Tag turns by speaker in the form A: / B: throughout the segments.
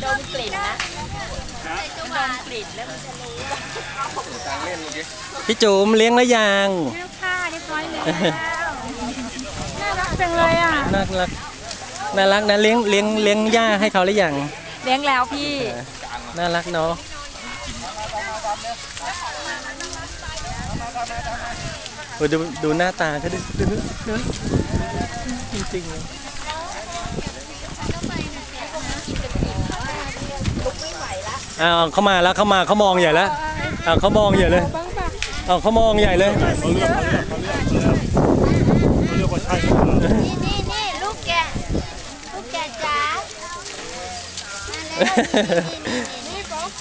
A: มกลิ่นนะดมกลิ่นแล้วมันจะรู้
B: พี่จุ๋มเลี้ยงแล้วยัง
A: เลี้ยงค่ะเรียบร้อยแล้วน่ารักจังเลยอ่ะ
B: น่ารักน่ารักนะเลี้ยงหญ้าให้เขาหรือยัง
A: เลี้ยงแล้วพี่
B: น่ารักเนาะดูหน้าตาเขาดูจริงๆเลยอ้าวเขามาแล้วเขามองใหญ่แล้วอ้าวเขามองใหญ่เลยอ้าวเขามองใหญ่เลย
A: นี่ลูกแกจ๋านี่ป๊อก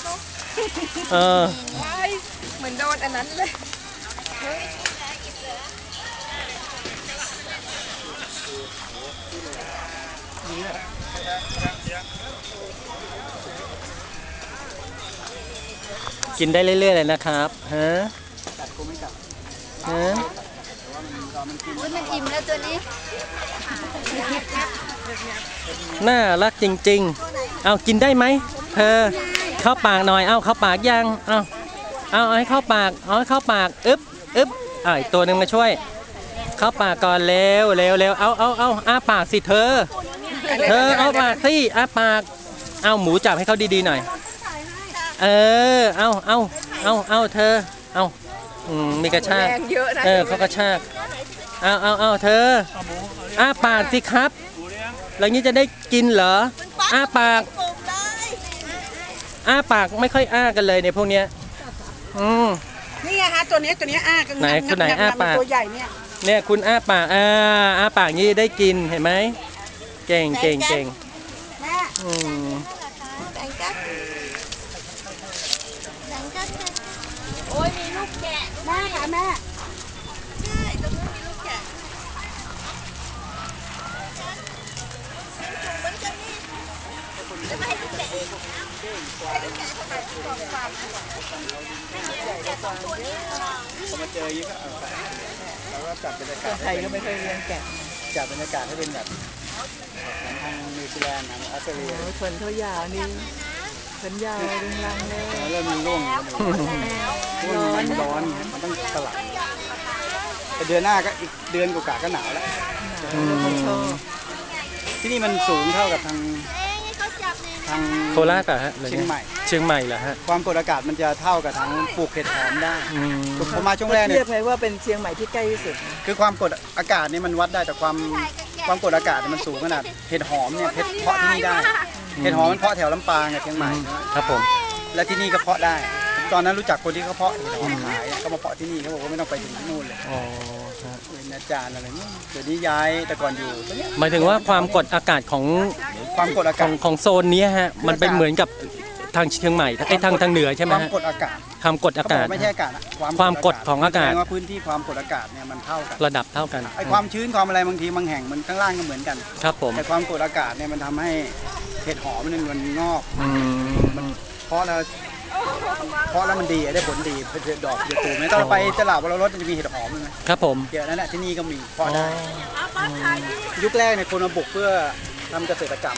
A: เหมือนโดนอันนั้นเลย
B: กินได้เรื่อยๆเลยนะครับฮะ
A: มันอิ่มแล้วตัวนี้
B: น่ารักจริงๆเอากินได้ไหมเธอเข้าปากหน่อยเอาเข้าปากยังเอาให้เข้าปากให้เข้าปากอึ๊บอีกตัวหนึ่งมาช่วยเข้าปากก่อนเร็วเอาอ้าปากสิเธอเอาปากสิอ้าปากเอาหมูจับให้เขาดีๆหน่อยเอาเธอเอามีกระชากเขากระชากเอาเธออ้าปากสิครับแล้วนี้จะได้กินเหรออ้าปากไม่ค่อยอ้ากันเลยในพวกเนี้ย
C: นี่ไงฮะตัวนี้อ้ากัน
B: ไหนคุณไหนอ้าปาก
C: ตัวใหญ่
B: เนี่ยคุณอ้าปากอ้าปากนี้ได้กินเห็นไหมเก่ง
C: แม่
A: โอ้ยมีลูกแกะ
C: แม่ค่ะแม่
A: ใช่ตรงนู้นมีลูกแกะเหมือนกันนี่จะไม่ให้ลูกแกะอีกให้ลูกแกะทำไมกองฟาร์มให้ลูกแกะสองตัวนี้
D: พอมาเจอยิ่งก็เราก็จัดบรรยากาศ
C: ไทยก็ไม่เคยเลี้ยงแกะ
D: จัดบรรยากาศให้เป็นแบบทางนิวซีแลนด์ทางออสเตรเลีย
C: ขนเขายาวนี่ขนยาวดึงรังเลย
D: เริ่มมีร่วงมันร้อนมันต้องสลับแต่เดือนหน้าก็อีกเดือนกว่าก็หนาวแล้วที่นี่มันสูงเท่ากับทาง
B: โคราชอะฮะ
D: เชียงใหม่
B: เหรอฮะ
D: ความกดอากาศมันจะเท่ากับทางปลูกเห็ดหอมได้ผมมาช่วงแรกเนี่ย
C: เทียบไงว่าเป็นเชียงใหม่ที่ใกล้ที่สุด
D: คือความกดอากาศนี่มันวัดได้แต่ความกดอากาศมันสูงขนาดเห็ดหอมเนี่ยเพาะที่นี่ได้เห็ดหอมมันเพาะแถวลำปางกับเชียงใหม่
B: ครับผม
D: และที่นี่ก็เพาะได้ตอนนั้นรู้จักคนที่เขาเพาะเห็ดหอมขายเขามาเพาะที่นี่เขาบอกว่าไม่ต้องไปถึงนู่นเลยเป็นอาจารย์อะไรนี่เดี๋ยวนี้ย้ายแต่ก่อนอยู่
B: หมายถึงว่าความกดอากาศของของโซนนี้ฮะมันเป็นเหมือนกับทางเชียงใหม่ทางเหนือใช่ไหม
D: ความกดอากาศ
B: ความกดอากาศ
D: ไม่ใช่อากาศ
B: ความกดของอากาศ
D: ว่าพื้นที่ความกดอากาศเนี่ยมันเท่ากัน
B: ระดับเท่ากัน
D: ไอความชื้นความอะไรบางทีบางแห่งมันข้างล่างก็เหมือนกัน
B: ครับผม
D: แต่ความกดอากาศเนี่ยมันทำให้เห็ดหอมมันงอกเพราะแล้วมันดีได้ผลดีเป็นดอกเยอะตูไหมตอนเราไปตลาดวรรสจะมีเห็ดหอมไหม
B: ครับผม
D: เยอะนั่นแหละที่นี่ก็มีเพาะได้ยุคแรกเนี่ยคนมาบุกเพื่อทำเกษตรกรรม